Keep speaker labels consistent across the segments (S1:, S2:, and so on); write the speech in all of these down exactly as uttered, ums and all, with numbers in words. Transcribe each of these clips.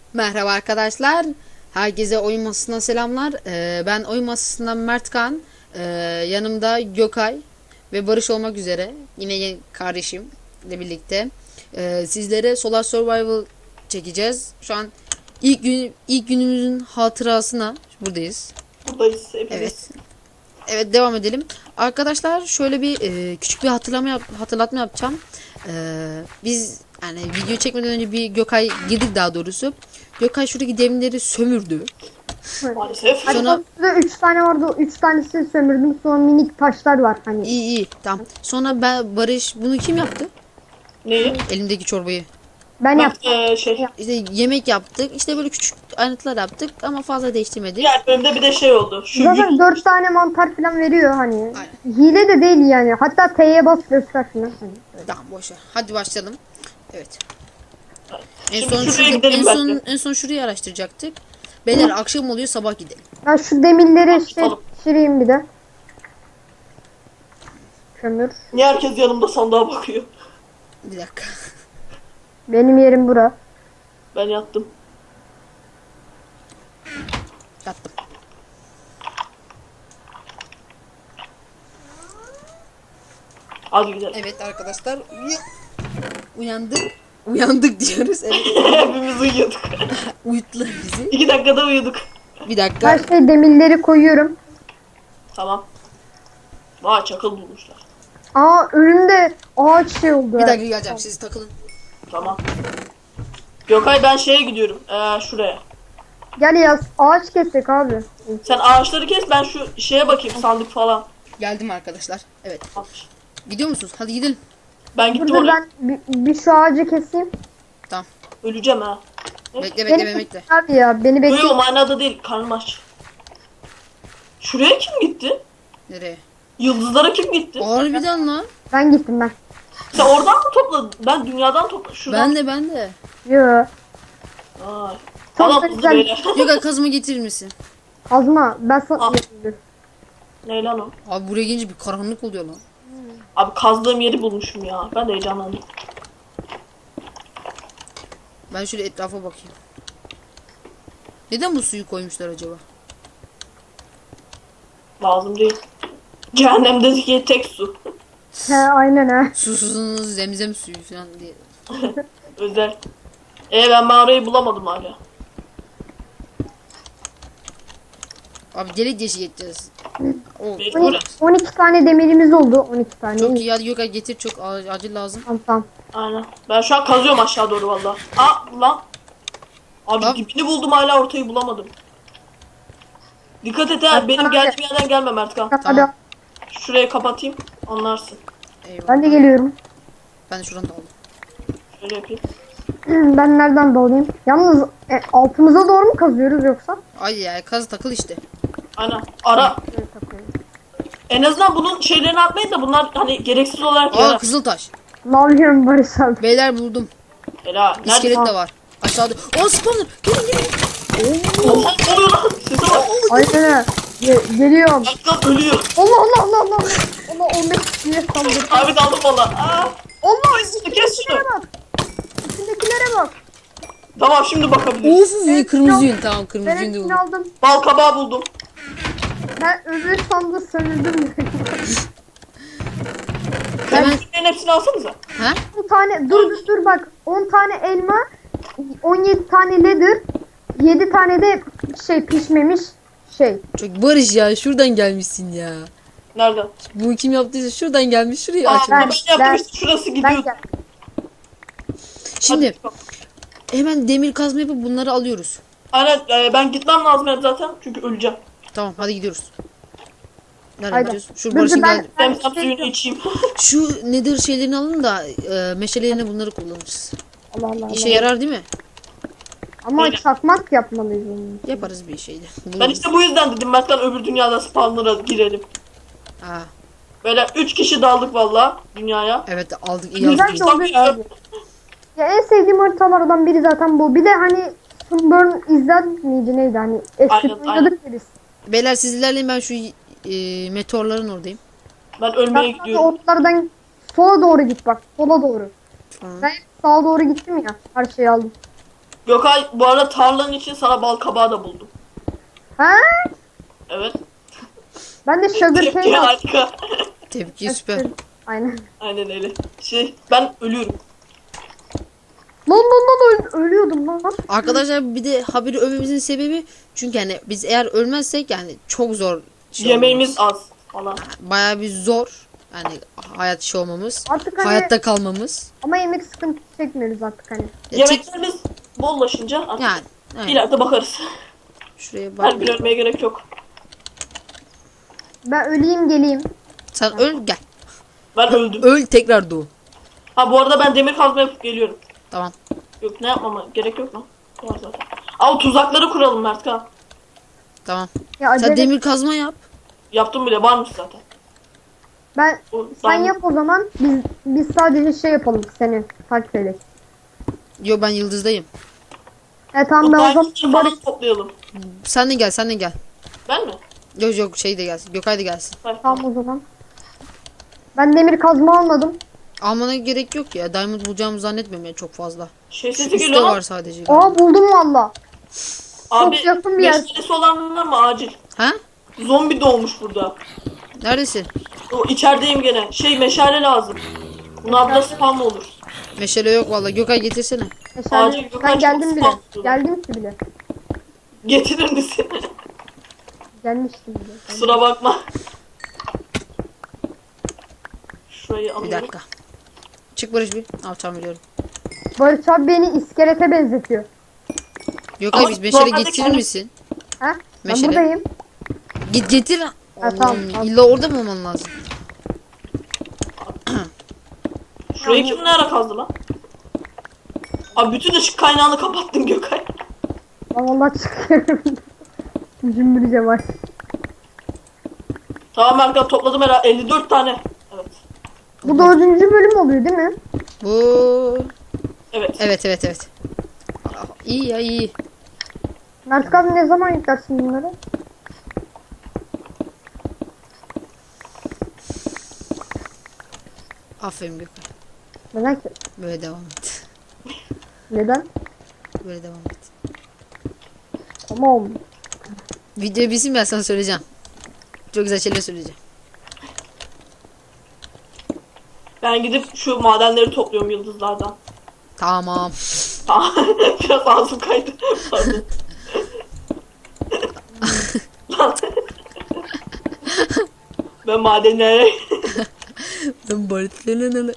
S1: Merhaba arkadaşlar. Herkese oyun masasından selamlar. Ee, ben oyun masasından Mertkan. Ee, yanımda Gökay ve Barış olmak üzere. Yine yeni kardeşimle birlikte. Ee, sizlere Solar Survival çekeceğiz. Şu an ilk gün ilk günümüzün hatırasına buradayız.
S2: Buradayız hepimiz.
S1: Evet. Evet, devam edelim. Arkadaşlar şöyle bir e, küçük bir hatırlama yap, hatırlatma yapacağım. Ee, biz yani video çekmeden önce bir Gökay girdik daha doğrusu. Gökay şuradaki demirleri sömürdü.
S2: Maalesef.
S1: Sonra
S3: Burada üç tane vardı. Üç tanesini sömürdüm. Sonra minik taşlar var hani.
S1: iyi iyi tamam. Sonra ben Barış bunu kim yaptı?
S2: Neyi?
S1: Elimdeki çorbayı.
S3: Ben
S2: Bak
S3: yaptım.
S2: eee, şey.
S1: İşte yemek yaptık. İşte böyle küçük ayrıntılar yaptık ama fazla değiştirmedik.
S2: Diğer bölümde bir de şey oldu. Şu
S3: Zaten
S2: yük-
S3: dört tane mantar falan veriyor hani.
S1: Aynen.
S3: Hile de değil yani. Hatta T'ye bas göster falan. Hani.
S1: Tamam boş ver. Hadi başlayalım. Evet. En
S2: Şimdi
S1: son
S2: şuraya
S1: şurada,
S2: gidelim
S1: en son
S2: bence.
S1: en son şurayı araştıracaktık. Beyler akşam oluyor, sabah gidelim.
S3: Ben şu demirleri işte
S2: Tamam.
S3: pişireyim bir de. Kömür.
S2: Niye herkes yanımda sandığa bakıyor?
S1: Bir dakika.
S3: Benim yerim bura.
S2: Ben yattım.
S1: Yattım.
S2: Hadi gidelim.
S1: Evet arkadaşlar uy- uyandık. Uyandık diyoruz. Evet.
S2: Hepimiz uyuyorduk.
S1: Uyuttular bizi.
S2: İki dakikada uyuduk.
S1: Bir dakika.
S3: Her şey demirleri koyuyorum.
S2: Tamam. Vay çakıl bulmuşlar.
S3: Aa önümde ağaç şey oldu.
S1: Bir dakika geleceğim. Siz takılın.
S2: Tamam. Gökay ben şeye gidiyorum. Eee şuraya.
S3: Gel yaz. Ağaç kesecek abi.
S2: Sen ağaçları kes, ben şu şeye bakayım, sandık falan.
S1: Geldim arkadaşlar. Evet. Gidiyor musunuz? Hadi gidelim.
S2: Ben
S3: Dur
S2: gittim
S3: dur
S2: oraya.
S3: ben bir, bir şu ağacı keseyim.
S1: Tamam.
S2: Öleceğim ha.
S1: Bekle bekle
S3: Beni
S1: bekle.
S3: abi ya beni bekle.
S2: Yok manada değil, karnım aç. Şuraya kim gitti?
S1: Nereye?
S2: Yıldızlara kim gitti?
S1: Harbiden lan.
S3: Ben gittim ben.
S2: Sen oradan mı topladın? Ben dünyadan topladım. Şuradan.
S1: Ben de ben de.
S3: Yo.
S2: Ay.
S3: Çok
S2: Allah
S3: da
S2: hızlı
S3: güzel.
S2: böyle.
S1: Gökay kazma getirir misin?
S3: Kazma. Ben sana...
S2: Al. Ne lan o?
S1: Abi buraya gelince bir karanlık oluyor lan.
S2: Abi kazdığım yeri bulmuşum ya. Ben de heyecanlandım.
S1: Ben şöyle etrafa bakayım. Neden bu suyu koymuşlar acaba?
S2: Lazım değil. Cehennemdeki tek su.
S3: He aynen ha.
S1: Susuzunuz zemzem suyu falan diye.
S2: Özel. E ben mağarayı bulamadım hala.
S1: Abi delik deşik edeceğiz. O,
S2: Mecburen.
S3: on iki tane demirimiz oldu. on iki tane.
S1: çok iyi, hadi Gökay getir, çok a- acil lazım.
S3: Tamam tamam.
S2: Aynen. Ben şu an kazıyorum aşağı doğru valla. Aa lan. Abi
S1: Abi.
S2: dibini buldum, hala ortayı bulamadım. Dikkat et ha, benim geldiğim yerden gelme Mertkan.
S3: Hadi
S2: Şurayı kapatayım, anlarsın.
S1: Eyvallah.
S3: ben de geliyorum.
S1: Ben de şuradan da aldım.
S2: Şöyle yapayım.
S3: Ben nereden dalayım? Yalnız e, altımıza doğru mu kazıyoruz yoksa?
S1: Ay ya, kaz takıl işte.
S2: Aynen. Ara.
S3: Evet, takıyorum.
S2: En azından bunun şeylerini atmayın da bunlar hani gereksiz olarak
S1: Aa,
S2: yarar.
S1: kızıl taş.
S3: Ne yapıyorum Barış abi?
S1: Beyler buldum.
S2: Helal. Nerede?
S1: İskelet de var. Aşağıda. O spawner. Gelin gelin.
S2: Oha, ne oluyor lan? Size bak.
S3: Aynen ha. Ge- geliyorum.
S2: Mertkan ölüyor.
S3: Allah Allah Allah Allah. Allah on beş kişiye saldırdı.
S2: Abi daldım valla. Aa.
S3: Allah
S2: Kes şunu, kes şunu.
S3: içindekilere bak. İçindekilere bak.
S2: Tamam şimdi bakabiliriz.
S1: Of, iyi kırmızı yün. Tamam,
S3: Ben
S1: kırmızı yün de
S3: hepsini
S1: buldum.
S3: aldım.
S2: Bal kabağı buldum.
S3: Ben öbür sandığı sömürdüm.
S1: Hemen.
S2: Bunların hepsini alsanıza.
S1: Ha?
S3: on tane dur dur dur bak. on tane elma, on yedi tane leather, yedi tane de şey pişmemiş şey.
S1: Çok Barış ya, şuradan gelmişsin ya.
S2: Nereden?
S1: Bu kim yaptıysa şuradan gelmiş, şurayı
S2: Aa,
S1: açmış.
S2: ben,
S3: ben-
S2: yaptım
S3: ben-
S2: işte, şurası
S3: Ben
S2: gidiyor.
S3: gel.
S1: Şimdi
S2: Hadi.
S1: hemen demir kazma yapıp bunları alıyoruz.
S2: Aynen, e, ben gitmem lazım hep zaten çünkü öleceğim.
S1: Tamam, hadi gidiyoruz. Nereye
S3: Haydi.
S1: gidiyoruz? Şu
S3: Dur,
S1: Barış'ın
S3: dur, ben-
S1: gel.
S2: Ben
S3: Ben-
S2: tam suyunu içeyim.
S1: Şu nedir şeylerini alın da e, meşalelerine bunları kullanırız.
S3: Allah Allah
S1: İşe
S3: Allah.
S1: yarar değil mi?
S3: Ama
S2: Öyle.
S3: çakmak yapmalıyız onu.
S1: Yaparız bir şeyde.
S2: Ben işte bu yüzden dedim Mert'ten öbür dünyada spawnlara girelim.
S1: Aa,
S2: Böyle üç kişi daldık valla dünyaya.
S1: evet aldık, iyi
S3: Güzel
S1: aldık.
S3: de oluyor abi. Ya en sevdiğim haritalardan biri zaten bu. Bir de hani Sunburn izler miydi neydi hani eski
S2: Aynen,
S3: oynadık ya biz.
S1: Beyler siz ilerleyin, ben şu e, meteorların oradayım.
S2: Ben ölmeye
S3: Bak
S2: gidiyorum.
S3: ortalardan sola doğru git bak. Sola doğru.
S1: Tamam.
S3: Ben sağa doğru gittim ya. Her şeyi aldım.
S2: Gökay bu arada tarlanın için sana bal kabağı da buldum.
S3: Ha?
S2: Evet.
S3: Ben de sugar cane
S2: Tepki
S3: al-
S2: harika.
S1: Tepki süper.
S3: Aynen.
S2: Aynen öyle. Şey ben ölüyorum.
S3: Lan lan lan öl- ölüyordum lan.
S1: Arkadaşlar bir de haberi övmemizin sebebi çünkü hani biz eğer ölmezsek yani çok zor şey
S2: Yemeğimiz
S1: olmamız.
S2: az falan.
S1: Bayağı bir zor yani hayat şey olmamız.
S3: Artık hani
S1: Hayatta kalmamız.
S3: ama yemek sıkıntı çekmiyoruz artık hani.
S1: Ya çek-
S2: Yemeklerimiz bollaşınca artık
S1: yani evet.
S2: ileride bakarız.
S1: Şuraya
S2: Her gün
S1: bak.
S2: ölmeye gerek yok.
S3: Ben öleyim geleyim.
S1: Sen öl gel.
S2: Ben öldüm.
S1: Öl tekrar doğ.
S2: Ha bu arada ben demir kazma yapıp geliyorum.
S1: Tamam.
S2: Yok ne yapmama gerek yok lan. Var zaten. Al tuzakları kuralım Mertkan.
S1: Tamam.
S3: Ya acele.
S1: Sen demir kazma yap.
S2: Yaptım bile varmış zaten.
S3: Ben
S2: O,
S3: sen
S2: diamond-
S3: yap o zaman. Biz biz sadece şey yapalım seni takip edelim.
S1: Yo ben yıldızdayım.
S3: E tamam
S2: O
S3: ben o
S2: diamondları
S3: zaman Barış
S2: falan toplayalım.
S1: Sen de gel sen de gel.
S2: Ben mi?
S1: Yok yok şey de gelsin. Gökay da gelsin.
S2: Hayır.
S3: tamam o zaman. Ben demir kazma almadım.
S1: Almana gerek yok ya. Diamond bulacağımı zannetmiyorum ya çok fazla.
S2: Şey
S1: Şu
S2: sesi
S1: üstte
S2: geliyor
S1: var
S2: lan.
S1: sadece.
S3: Aa buldum valla.
S2: Abi
S3: çok yakın bir yer.
S2: meşalesi olan var mı acil?
S1: Ha?
S2: Zombi doğmuş burada.
S1: Neredesin?
S2: O içerideyim gene. Şey meşale lazım. Bunlarda spam olur.
S1: Meşale yok vallahi. Gökay getirsene.
S3: Meşale.
S2: Acil Gökhan
S3: Ben geldim
S2: çok
S3: bile.
S2: sıkıntı.
S3: Geldim ki bile.
S2: Getirir misin?
S3: Gelmiştim bile.
S2: Kusura bakma. Şurayı
S1: Bir
S2: alıyorum.
S1: dakika. Çık Barış bir. Al tamam biliyorum.
S3: Barış abi beni iskelete benzetiyor.
S1: Gökay
S2: Ama
S1: biz meşale
S2: normalde
S1: getirir
S2: kendi-
S1: misin?
S3: Ha? Ben
S1: Meşale.
S3: buradayım.
S1: Git getir.
S3: Ha,
S1: Allah'ım,
S3: tamam, tamam.
S1: illa orada mı olman lazım?
S2: Şurayı kim ne ara kazdı lan? Abi bütün ışık kaynağını kapattın Gökay.
S3: Ben valla çıkıyorum. Cümbürce var.
S2: Tamam Erkan topladım herhalde elli dört tane. Evet.
S3: Bu dördüncü bölüm oluyor değil mi?
S1: Bu.
S2: Evet.
S1: Evet evet evet. Aa, İyi ya iyi.
S3: Mert abi ne zaman yüklersin bunları?
S1: Aferin Gökay.
S3: Neden ki?
S1: Böyle devam et.
S3: Neden?
S1: Böyle devam et.
S3: Tamam.
S1: Videoyu bilsin ben sana söyleyeceğim. Çok güzel şeyler söyleyeceğim.
S2: Ben gidip şu madenleri topluyorum yıldızlardan.
S1: Tamam.
S2: Tamam. Biraz ağzım kaydı. Pardon. Lan. Ben madenlere...
S1: Ben Barış'la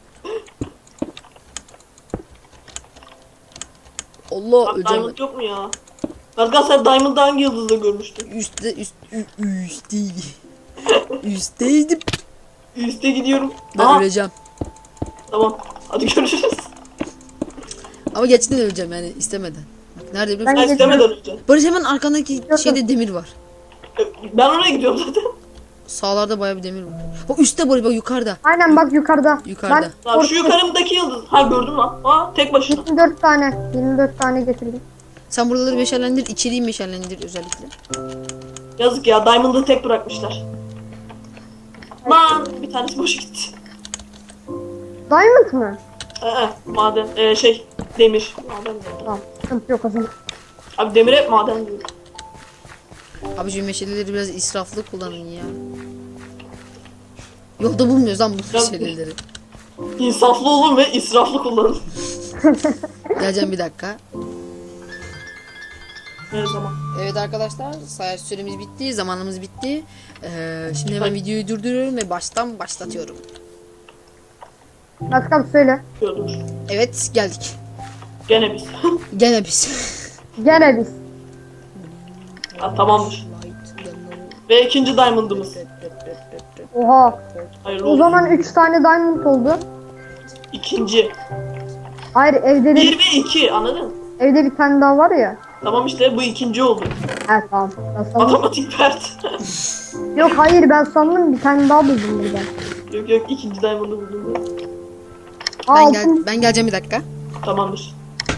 S1: Allah
S2: Bak,
S1: öleceğim.
S2: diamond yok mu ya? Erkan sen diamond'ı hangi yıldızda görmüştün?
S1: Üstte üst ü- üstteydi. Üstteydim.
S2: Üste gidiyorum.
S1: Ben
S2: Aha,
S1: öleceğim.
S2: tamam. Hadi görüşürüz.
S1: Ama gerçekten öleceğim yani istemeden. Bak nerede biliyor
S3: Ben
S1: musun?
S2: Ben istemeden öleceğim.
S1: Barış hemen arkandaki
S3: yok.
S1: şeyde demir var.
S2: Ben oraya gidiyorum zaten.
S1: Sağlarda bayağı bir demir var. Bak üstte Barış bak yukarıda.
S3: Aynen bak yukarıda.
S1: Yukarıda.
S2: Lan şu yukarımdaki yıldız. Ha gördüm lan. Aa tek başına.
S3: yirmi dört tane. yirmi dört tane getirdim.
S1: Sen buraları meşalendir, içeriği meşalendir özellikle.
S2: Yazık ya diamond'ı tek bırakmışlar. Lan bir tanesi boşa gitti.
S3: Diamond mı?
S2: Ee, maden. Ee, şey demir. Maden diyorum.
S3: Tamam. Sıkıntı yok o zaman.
S2: Abi demir hep maden diyor.
S1: Abi şu meşaleleri biraz israflı kullanın ya. Yolda bulmuyoruz lan bu
S2: Ya-
S1: meşaleleri.
S2: İnsaflı olun ve israflı kullanın.
S1: Geleceğim bir dakika.
S2: Her zaman.
S1: Evet arkadaşlar sayaç süremiz bitti, zamanımız bitti. Ee, şimdi hemen videoyu durduruyorum ve baştan başlatıyorum.
S3: Mert abi söyle.
S2: Gördüm.
S1: Evet geldik.
S2: Gene biz.
S1: Gene biz.
S3: Gene biz.
S2: Ha, tamamdır. Ve ikinci diamond'ımız.
S3: Oha.
S2: Hayırlı
S3: O
S2: olsun.
S3: zaman üç tane diamond oldu.
S2: İkinci.
S3: Hayır evde de
S2: Bir ve iki anladın mı?
S3: evde bir tane daha var ya.
S2: Tamam işte bu ikinci oldu.
S3: He tamam. Ben sandım.
S2: Matematik pert.
S3: Yok hayır ben sandım bir tane daha buldum burada.
S2: Yok yok ikinci diamond'ı buldum. ben.
S3: Aa,
S1: Ben, gel
S3: altın-
S1: ben geleceğim bir dakika.
S2: Tamamdır.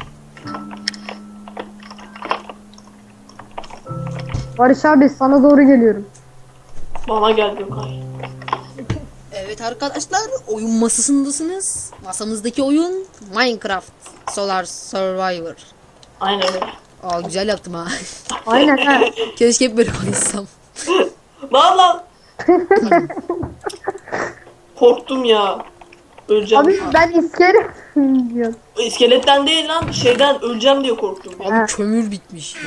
S3: Barış abi sana doğru geliyorum.
S2: Bana gel Gökay.
S1: Evet arkadaşlar oyun masasındasınız. Masamızdaki oyun Minecraft Solar Survivor.
S2: Aynen öyle.
S1: Aa güzel yaptım ha.
S3: Aynen ha.
S1: Keşke hep böyle konuşsam.
S2: Lan lan. Korktum ya. Öleceğim.
S3: Abi ben iskelet diyorum.
S2: İskeletten değil lan, şeyden öleceğim diye korktum.
S1: Abi
S3: Ha.
S1: kömür bitmiş.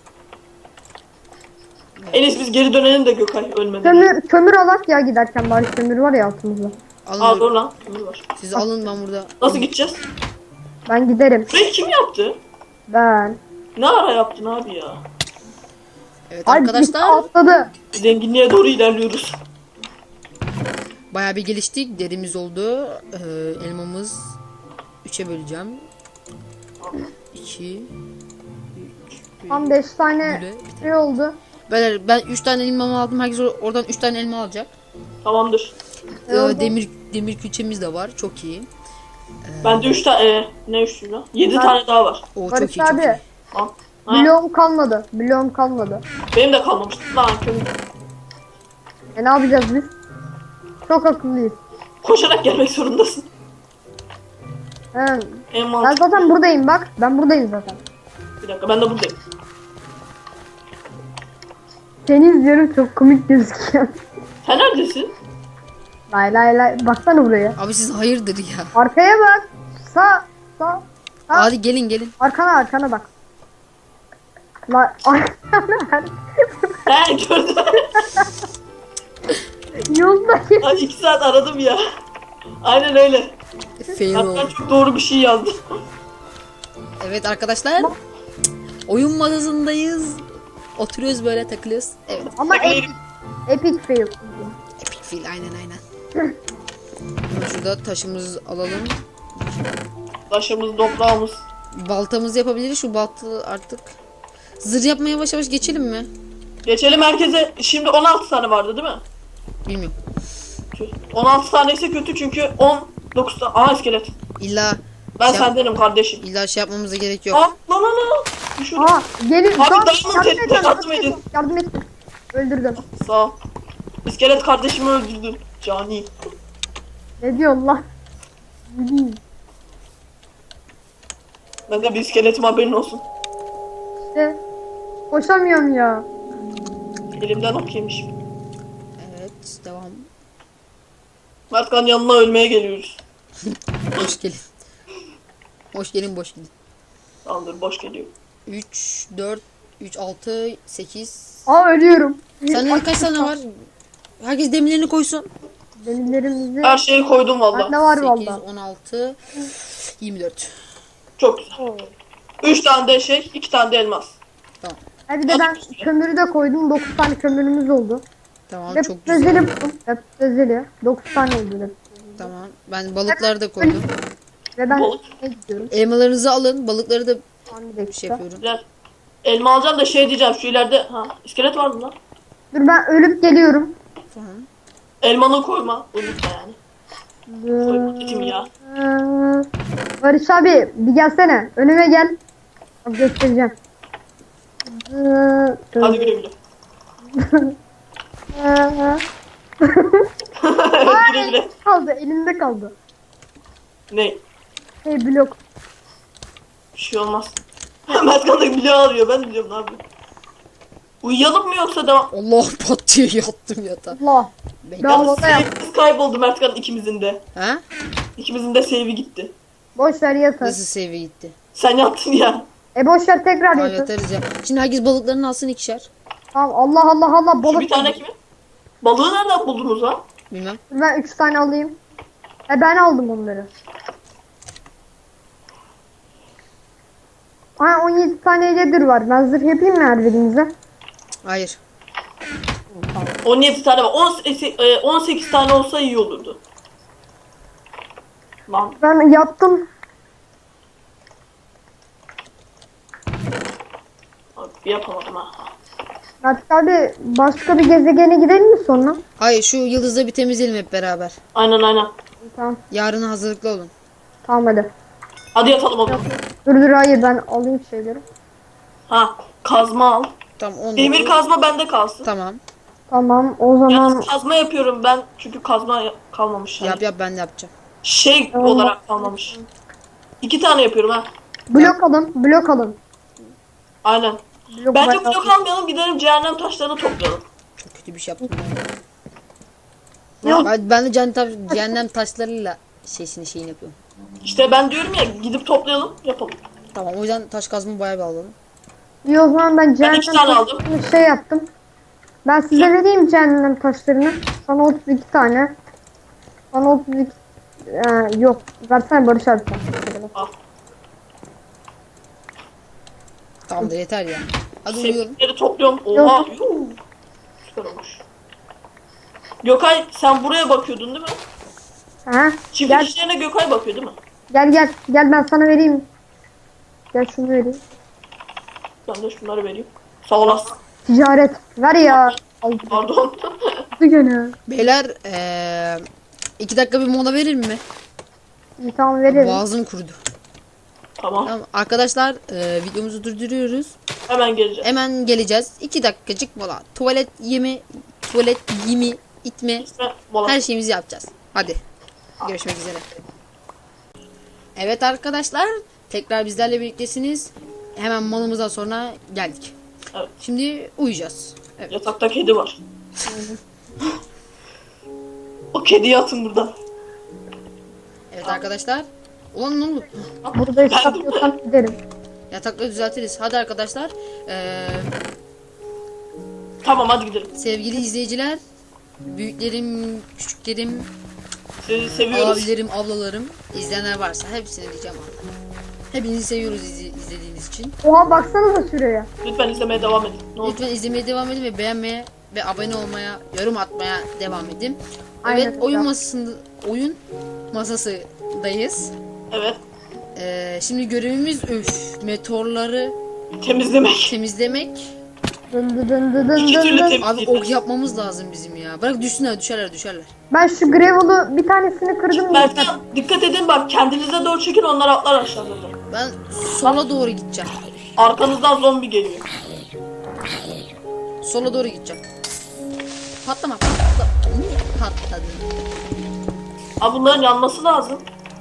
S2: En iyisi biz geri dönelim de Gökay ölmeden.
S3: Kömür, kömür alak ya giderken bari kömür var ya altımızda.
S1: Alın.
S2: Aa dur lan. Kömür var.
S1: Siz alın ben burada.
S2: Nasıl gideceğiz?
S3: Ben giderim.
S2: Burayı kim yaptı?
S3: Ben.
S2: Ne ara yaptın abi ya?
S1: Evet
S3: Ay birisi
S1: arkadaşlar
S3: atladı.
S2: Zenginliğe doğru ilerliyoruz.
S1: bayağı bir geliştik. Derimiz oldu. Ee, elmamız üçe böleceğim. iki üç
S3: Tam beş tane
S1: Böyle bir
S3: şey oldu.
S1: Beyler ben üç tane elmamı aldım. Herkes or- oradan üç tane elma alacak.
S2: Tamamdır.
S1: Ee,
S3: oldu?
S1: demir demir külçemiz de var. Çok iyi.
S2: Bende üç tane e, ne üçlü lan? Yedi
S3: Ben-
S2: tane daha var.
S1: O çok
S3: Barış
S1: iyi çok iyi.
S3: abi.
S2: Tamam. Ha,
S3: Bloğum kalmadı. Bloğum kalmadı.
S2: benim de kalmamış. Lan kömür.
S3: E ne yapacağız biz? Çok akıllıyız.
S2: Koşarak gelmek zorundasın.
S3: He.
S2: En
S3: Ben
S2: mantıklı.
S3: zaten buradayım bak. Ben buradayım zaten.
S2: Bir dakika ben de buradayım.
S3: Seni izliyorum çok komik gözüküyor.
S2: Sen neredesin?
S3: Lay lay lay. Baksana buraya.
S1: Abi siz hayırdır ya.
S3: Arkaya bak. Sağ. Sağ. Sağ.
S1: Hadi gelin gelin.
S3: Arkana arkana bak. La arkana.
S2: He gördüm.
S3: Yoldayım.
S2: Ay iki saat aradım ya. Aynen öyle.
S1: Fail
S2: Hatta
S1: oldu.
S2: çok doğru bir şey yazdım.
S1: Evet arkadaşlar. Oyun masasındayız. Oturuyoruz böyle takılıyoruz. Evet.
S3: Ama epic, epic fail.
S1: Epic fail aynen aynen. Hemen şurada taşımızı alalım.
S2: Taşımız, toprağımız.
S1: Baltamızı yapabiliriz. Şu baltı artık. Zırh yapmaya yavaş yavaş geçelim mi?
S2: Geçelim herkese. Şimdi on altı tane vardı değil mi?
S1: Bilmiyorum.
S2: on altı tane ise kötü çünkü on dokuz tane. Aha iskelet.
S1: İlla
S2: Ben
S1: şey,
S2: sendenim kardeşim.
S1: illa şey yapmamıza gerek yok.
S2: Aa lan lan lan. Düşün.
S3: Aa gelin.
S2: Abi,
S3: Tamam,
S2: diamond
S3: yardım
S2: et,
S3: edin,
S2: yardım edin.
S3: Yardım et. Öldürdüm.
S2: Sağ ol. İskelet kardeşimi öldürdün. Cani.
S3: Ne diyorsun lan? Bileyim.
S2: Ben de bir iskeletim haberin olsun.
S3: İşte. Koşamıyorum ya.
S2: Elimden ok yemişim.
S1: Evet devam.
S2: Mertkan yanına ölmeye geliyoruz.
S1: Hoş gelin. Hoş gelin boş gidin.
S2: Tamamdır boş geliyor.
S1: üç, dört, üç, altı, sekiz.
S3: Aa ölüyorum.
S1: Sende kaç tane var? Herkes demirlerini koysun.
S3: Demirlerimizi.
S2: Her şeyi koydum valla.
S3: Bende var
S1: sekiz,
S3: valla.
S1: on altı, yirmi dört.
S2: Çok güzel. Üç tane de şey, iki tane de elmas.
S1: Tamam.
S3: Ha bir de ben kömürü de koydum. dokuz tane kömürümüz oldu.
S1: Tamam
S3: Ve
S1: çok güzel.
S3: özeli buldum. Hep özeli. dokuz tane oldu. hep.
S1: Tamam. Ben balıkları da koydum.
S3: Ve ben
S2: Balık.
S3: ne gidiyorum?
S1: Elmalarınızı alın. Balıkları da
S3: Tamam, bir
S1: bir
S3: dakika.
S1: şey yapıyorum.
S2: Güzel. Elma alacağım da şey diyeceğim şu ileride. Ha iskelet var mı lan?
S3: Dur ben ölüp geliyorum.
S1: Tamam.
S2: Elmanı koyma. Unutma yani. Koyma dedim ya.
S3: Ee, Barış abi bir gelsene. Önüme gel. Bak göstereceğim. Ee,
S2: Hadi güle güle.
S3: ee,
S2: güle güle.
S3: kaldı elimde kaldı.
S2: Ne?
S3: Hey blok.
S2: Bir şey olmaz. Mertkan da bile arıyor. Ben de biliyorum ne yapayım. Uyuyalım mı yoksa devam?
S1: Allah pat diye yattım yatağa.
S3: Allah.
S1: Bekle.
S3: Ben-
S2: Yalnız
S3: havada yap.
S2: save'imiz kayboldu Mertkan ikimizin de.
S1: Ha?
S2: İkimizin de save'i gitti.
S3: Boş ver yatır.
S1: Nasıl save gitti?
S2: Sen yattın ya.
S3: E boş ver tekrar
S1: Aa,
S3: yatır.
S1: yatarız ya. Şimdi herkes balıklarını alsın ikişer.
S3: Tamam Allah Allah Allah
S2: Şu
S3: balık.
S2: bir tane kimin? Balığı nereden buldunuz ha?
S1: Bilmem.
S3: Ben üç tane alayım. E ben aldım onları. Aa on yedi tane leather var. Ben zırh yapayım mı her birinize?
S1: Hayır.
S2: on yedi tane var. on, e, on sekiz tane olsa iyi olurdu. Lan
S3: Ben yattım.
S2: abi yapamadım ha.
S3: Artık abi başka bir gezegene gidelim mi sonra?
S1: Hayır şu yıldızda bir temizleyelim hep beraber.
S2: Aynen aynen.
S3: Tamam.
S1: Yarına hazırlıklı olun.
S3: Tamam hadi.
S2: Hadi yatalım o zaman.
S3: Dur dur hayır ben alayım şeyleri.
S2: Ha kazma al.
S1: Tamam onu.
S2: Demir kazma bende kalsın.
S1: Tamam.
S3: Tamam o zaman
S2: Yalnız kazma yapıyorum ben çünkü kazma ya- kalmamış. Yani.
S1: Yap yap ben de yapacağım.
S2: Şey
S3: Tamam.
S2: olarak kalmamış. İki tane yapıyorum ha.
S3: blok alın blok alın.
S2: Aynen.
S3: Blok
S2: Bence
S3: bayağı-
S2: blok almayalım, gidelim cehennem taşlarını toplayalım.
S1: Çok kötü bir şey yaptım.
S3: Yok.
S1: Ben, ben de cehennem, taş- cehennem taşlarıyla şeysini şeyini yapıyorum.
S2: İşte ben diyorum ya, gidip toplayalım, yapalım.
S1: Tamam o yüzden taş kazma bayağı bir alalım.
S3: Yok lan ben cehennem
S2: iki tane aldım.
S3: taşlarını şey yaptım. Ben size vereyim cehennem taşlarını. Sana otuz iki tane. Bana otuz iki ee, yok. Versene Barış abi sen.
S2: Al.
S1: Tamamdır yeter ya. Hadi uyuyorum.
S2: Sevdikleri topluyorum. Oha. Yuh. Süper olmuş. Gökay sen buraya bakıyordun değil mi?
S3: Ha?
S2: Çiftlik
S3: Gel
S2: işlerine Gökay bakıyor değil mi?
S3: gel gel. Gel ben sana vereyim. Gel şunu vereyim.
S2: Ben de şunları vereyim. Sağ olasın.
S3: Ticaret. Ver ya. Aldı
S2: Pardon.
S3: gene.
S1: Beyler eee iki dakika bir mola verir mi?
S3: İyi tamam verelim.
S1: Boğazım kurudu.
S2: Tamam.
S1: Tamam arkadaşlar eee, videomuzu durduruyoruz.
S2: Hemen geleceğim.
S1: Hemen geleceğiz. iki dakikacık mola. Tuvalet yemi, tuvalet yemi, itme.
S2: İşte mola.
S1: Her şeyimizi yapacağız. Hadi. Görüşmek üzere. Evet arkadaşlar. Tekrar bizlerle birliktesiniz. Hemen malımızdan sonra geldik.
S2: Evet.
S1: Şimdi uyuyacağız. Evet.
S2: Yatakta kedi var. O kediyi atın buradan.
S1: Evet arkadaşlar. Ulan ne oldu?
S3: Burada
S2: Ben de-
S3: istasyondan giderim.
S1: Yatakları düzeltiriz. Hadi arkadaşlar. Ee,
S2: Tamam hadi gidelim.
S1: sevgili izleyiciler. Büyüklerim, küçüklerim,
S2: Sizi seviyoruz.
S1: abilerim, ablalarım. İzleyenler varsa hepsine diyeceğim Allah. Hepinizi seviyoruz izle- izlediğiniz için.
S3: Oha baksanıza şuraya.
S2: Lütfen izlemeye devam edin. Ne olur.
S1: Lütfen izlemeye devam edin ve beğenmeye ve abone olmaya, yorum atmaya devam edin.
S3: Aynen
S1: Evet, oyun
S3: öyle.
S1: masasında oyun masasındayız.
S2: Evet.
S1: Ee, şimdi görevimiz üf, meteorları
S2: Temizlemek.
S1: temizlemek.
S3: Dın dı dın dı dın
S2: İki
S3: dın
S2: türlü
S3: dın.
S2: tem-
S1: Abi ok yapmamız lazım bizim ya. Bırak düşsünler, düşerler, düşerler.
S3: Ben şu gravel'ı bir tanesini kırdım.
S2: Mertcan dikkat edin bak, kendinize doğru çekin, onlar atlar aşağıda.
S1: Ben sola doğru gideceğim.
S2: Arkanızdan zombi geliyor.
S1: Sola doğru gideceğim. Patlama, patla. Niye patladın?
S2: Abi bunların yanması lazım.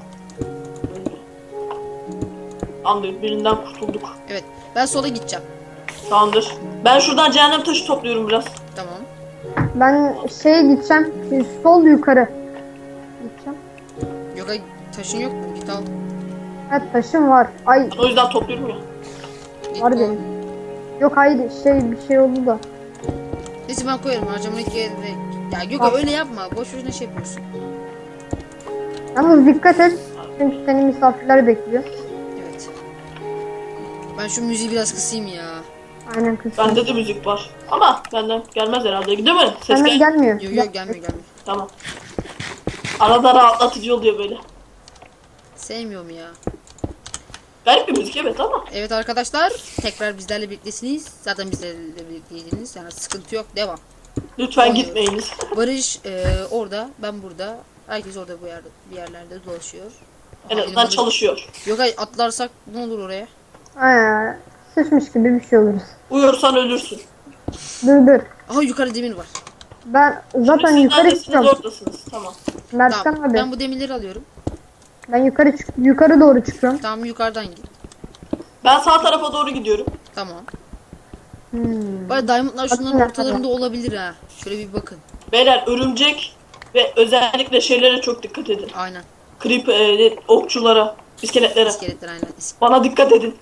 S2: Tamamdır, birinden kurtulduk.
S1: Evet, ben sola gideceğim.
S2: Tamamdır. Ben şuradan cehennem taşı topluyorum biraz.
S1: Tamam.
S3: Ben şeye gideceğim. Sol yukarı. Gideceğim.
S1: Yok ay, taşın yok mu? Git al.
S3: Evet taşım var. Ay
S2: Ben o yüzden topluyorum ya.
S1: Git
S3: var
S1: al.
S3: benim. Yok hayır şey bir şey oldu da.
S1: Neyse ben koyarım harcamadaki yerine. Ya Gökay öyle yapma. Boş boşuna şey yapıyorsun.
S3: Yalnız dikkat et. Çünkü seni misafirler bekliyor.
S1: Evet. Ben şu müziği biraz kısayım ya.
S3: Aynen kız.
S2: Bende de müzik var. Ama benden gelmez herhalde. Değil mi? Ses
S3: Senden
S2: gel.
S3: gelmiyor.
S1: Yok yok gelmiyor gelmiyor.
S2: Tamam. Arada rahatlatıcı oluyor böyle.
S1: Sevmiyorum ya.
S2: Garip bir müzik evet ama.
S1: Evet arkadaşlar tekrar bizlerle birliktesiniz. Zaten bizlerle birlikteydiniz. Yani sıkıntı yok. Devam.
S2: Lütfen
S1: Oluyor.
S2: gitmeyiniz.
S1: Barış e, orada, ben burada. Herkes orada bu yerde bir yerlerde dolaşıyor.
S2: En
S1: Aha,
S2: azından
S1: benim
S2: çalışıyor.
S1: adım- Yok ay atlarsak ne olur oraya?
S3: Aynen. Sıçmış gibi bir şey oluruz.
S2: Uyursan ölürsün.
S3: Dur dur.
S1: Aha yukarı demir var.
S3: Ben zaten
S2: Siz
S3: yukarı
S2: neredesiniz?
S3: çıkıyorum.
S2: Oradasınız. Tamam.
S3: Mertcan
S1: Tamam.
S3: abi.
S1: Ben bu demirleri alıyorum.
S3: Ben yukarı çık yukarı doğru çıkıyorum.
S1: Tamam yukarıdan git.
S2: Ben sağ tarafa doğru gidiyorum.
S1: Tamam.
S3: Hmm.
S1: Bari diamondlar şunların
S3: Bakın,
S1: ortalarında olabilir ha. Şöyle bir bakın.
S2: Beyler örümcek ve özellikle şeylere çok dikkat edin.
S1: Aynen.
S2: Creep, e, okçulara, iskeletlere.
S1: İskeletler aynen. İs-
S2: Bana dikkat edin.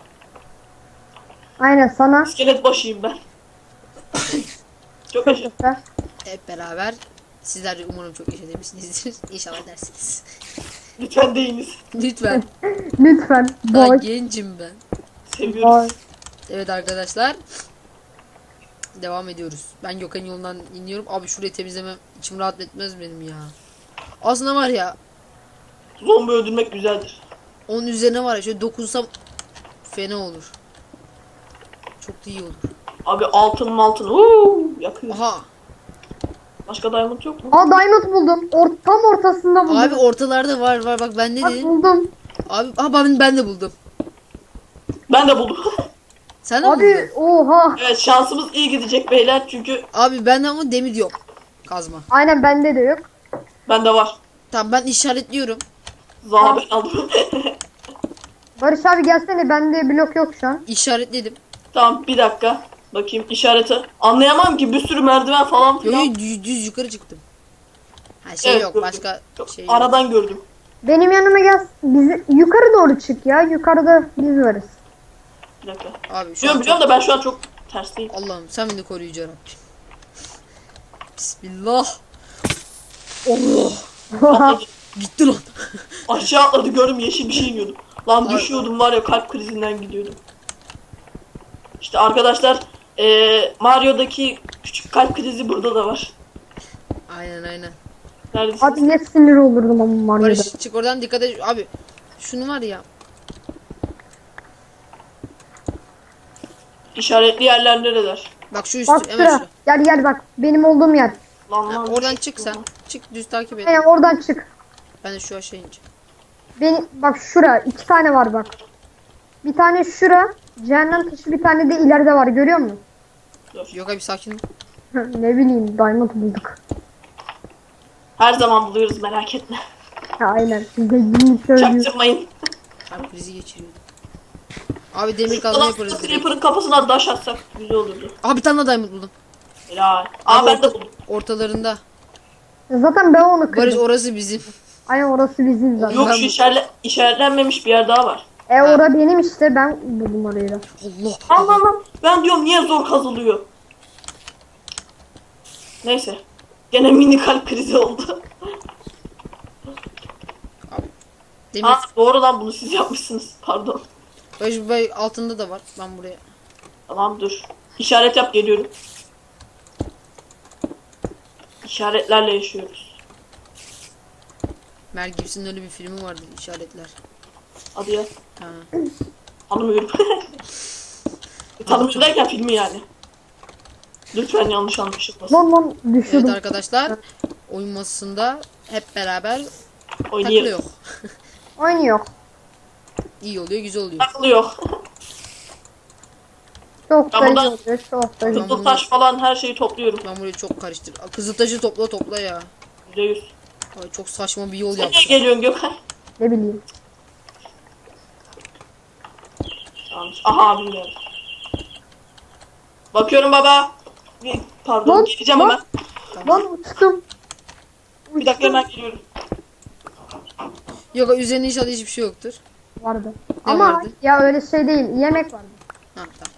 S3: Aynen sana.
S2: İskelet başıyım ben. Çok yaşa.
S3: Güzel.
S1: Hep beraber. Sizler de umarım çok yaşamışsınızdır. İnşallah dersiniz.
S2: Lütfen deyiniz.
S1: Lütfen.
S3: Lütfen.
S1: Daha
S3: Boş.
S1: gencim ben.
S2: Seviyoruz.
S3: Boş.
S1: Evet arkadaşlar. Devam ediyoruz. Ben Gökhan yolundan iniyorum. Abi şurayı temizlemem içim rahat etmez benim ya. Aslında var ya
S2: Zombi öldürmek güzeldir.
S1: onun üzerine var ya şöyle dokunsam fena olur. Çok da iyi olur.
S2: Abi altın altın. Uuu, yakıyor.
S1: Aha.
S2: Başka diamond yok mu?
S3: Aa diamond buldum. Or tam ortasında buldum.
S1: Abi ortalarda var var bak ben ne
S3: Bak
S1: dedim?
S3: buldum.
S1: Abi aha ben, ben de buldum.
S2: Ben de buldum.
S1: Sen de mi buldun?
S3: Abi oha.
S2: Evet şansımız iyi gidecek beyler çünkü
S1: Abi bende ama demir yok. Kazma.
S3: Aynen bende de yok.
S2: bende var.
S1: Tamam ben işaretliyorum.
S2: Zaha ben aldım.
S3: Barış abi gelsene bende blok yok şu an.
S1: İşaretledim.
S2: Tamam bir dakika. Bakayım işareti. Anlayamam ki bir sürü merdiven falan
S1: Yo,
S2: filan.
S1: yo, düz, düz yukarı çıktım. Ha şey
S2: Evet,
S1: yok
S2: gördüm.
S1: başka
S2: Yok,
S1: şey yok.
S2: aradan gördüm.
S3: Benim yanıma gel. Bizi yukarı doğru çık ya. Yukarıda biz varız.
S2: Bir dakika.
S1: Abi şu
S2: Biliyorum
S1: an
S2: biliyorum
S1: çok...
S2: da ben şu an çok tersteyim.
S1: Allah'ım sen beni koru yüce Rabbim. Bismillah. Allah.
S2: Atladı.
S1: Gitti lan.
S2: Aşağı atladı gördüm yeşil bir şey yiyordum. Lan
S1: Ay.
S2: düşüyordum var ya kalp krizinden gidiyordum. İşte arkadaşlar eee Mario'daki küçük kalp krizi burada da var.
S1: Aynen aynen.
S2: Neredesiniz?
S3: Abi ne sinir olurdum ama Mario'da.
S1: Barış çık oradan, dikkat et. Abi şunu var ya.
S2: İşaretli yerler nereler?
S1: Bak şu üstü
S3: Bak
S1: hemen
S3: şura.
S1: şu.
S3: Gel gel bak. Benim olduğum yer.
S2: Lan
S1: Ha,
S2: lan.
S1: oradan çık sen. Çık düz takip et.
S3: Aynen oradan çık.
S1: Ben de şu aşağı ineceğim.
S3: Beni, bak şura. iki tane var bak. Bir tane şura. Cehennem taşı bir tane de ileride var. Görüyor musun?
S1: Yok abi sakin ol.
S3: Ne bileyim. Diamond bulduk.
S2: Her zaman buluyoruz merak etme.
S3: Ha, aynen. Siz de yeni söylüyorsunuz.
S2: Çaktırmayın.
S1: Kalp krizi geçiriyordum. Abi demir kazma
S2: Lan
S1: yaparız direkt.
S2: Creeper'ın kafasına taş atsak güzel olurdu.
S1: Aha bir tane daha diamond buldum.
S2: Helal. Aa
S1: Abi
S2: ben de
S1: orta-
S2: buldum.
S1: ortalarında.
S3: Zaten ben onu
S1: Barış
S3: kırdım.
S1: orası bizim.
S3: Aynen orası bizim zaten.
S2: Yok
S1: Ben
S2: şu
S1: bu-
S2: işaretle, işaretlenmemiş bir yer daha var.
S3: E
S1: Ha.
S3: ora benim işte. Ben buldum orayı da.
S1: Allah.
S2: Allah Allah. Ben diyorum niye zor kazılıyor. Neyse. Gene mini kalp krizi oldu.
S1: Demir.
S2: Aa doğru lan bunu siz yapmışsınız. Pardon.
S1: Barış bu altında da var. Ben buraya.
S2: Tamam dur. İşaret yap geliyorum. İşaretlerle yaşıyoruz.
S1: Mel Gibson'ın öyle bir filmi vardı, işaretler.
S2: Hadi ya.
S1: Ha.
S2: Tanımıyorum. Tanımıyorum derken filmi yani. Lütfen yanlış anlaşılmasın.
S3: Lan lan
S1: Evet
S3: düşürdüm.
S1: arkadaşlar, oyun masasında hep beraber
S2: Oynayayım.
S1: takılıyor.
S3: Oynuyor.
S1: İyi oluyor, güzel oluyor.
S2: Takılıyor.
S3: Çok
S2: Ben
S3: da iyi
S2: buradan-
S3: oluyor. Çok da iyi.
S1: Tamam.
S2: Kızıl taş falan her şeyi topluyorum.
S1: Ben burayı çok karıştır. Kızıltaşı topla topla ya.
S2: yüzde yüz.
S1: Ay çok saçma bir yol
S2: Sen niye
S1: yaptım.
S2: geliyorsun Gökhan?
S3: Ne bileyim.
S2: Yanlış. Aha abim geldi. Bakıyorum baba. Bir- Pardon
S3: Lan,
S2: geleceğim
S3: lan.
S2: hemen.
S3: Lan uçtum.
S2: Bir dakika hemen geliyorum.
S1: Yok üzerinde inşallah hiçbir şey yoktur.
S3: Vardı.
S1: Ne
S3: Ama
S1: vardı?
S3: ya öyle şey değil. Yemek vardı.
S1: Ha tamam.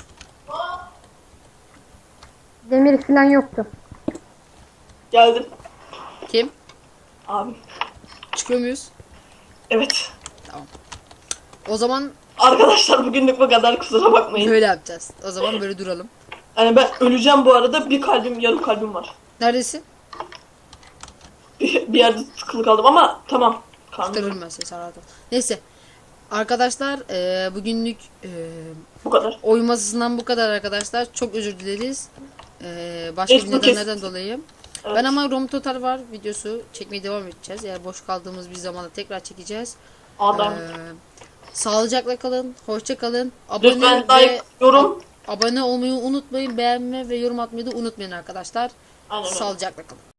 S3: Demir falan yoktu.
S2: Geldim.
S1: Kim?
S2: Abi.
S1: Çıkıyor muyuz?
S2: Evet.
S1: O zaman
S2: Arkadaşlar bugünlük bu kadar kusura bakmayın.
S1: böyle yapacağız. O zaman böyle duralım.
S2: Yani ben öleceğim bu arada. Bir kalbim yarım kalbim var.
S1: Neredesin?
S2: Bir, bir yerde tıkılı kaldım ama tamam. Karnım
S1: Kurtarırım ben seni, sen rahat ol. Neyse. Arkadaşlar eee, bugünlük eee
S2: bu kadar.
S1: oyun masasından bu kadar arkadaşlar. Çok özür dileriz. Eee, başka bir
S2: Facebook
S1: nedenlerden
S2: kes-
S1: dolayı.
S2: Evet.
S1: Ben ama Rom Total var videosu çekmeye devam edeceğiz. Eğer boş kaldığımız bir zamanda tekrar çekeceğiz.
S2: Adam.
S1: Eee, sağlıcakla kalın. Hoşça kalın. Abone
S2: Lütfen
S1: ve
S2: like, yorum.
S1: abone olmayı unutmayın. Beğenme ve yorum atmayı da unutmayın arkadaşlar.
S2: Aynen öyle.
S1: Sağlıcakla kalın.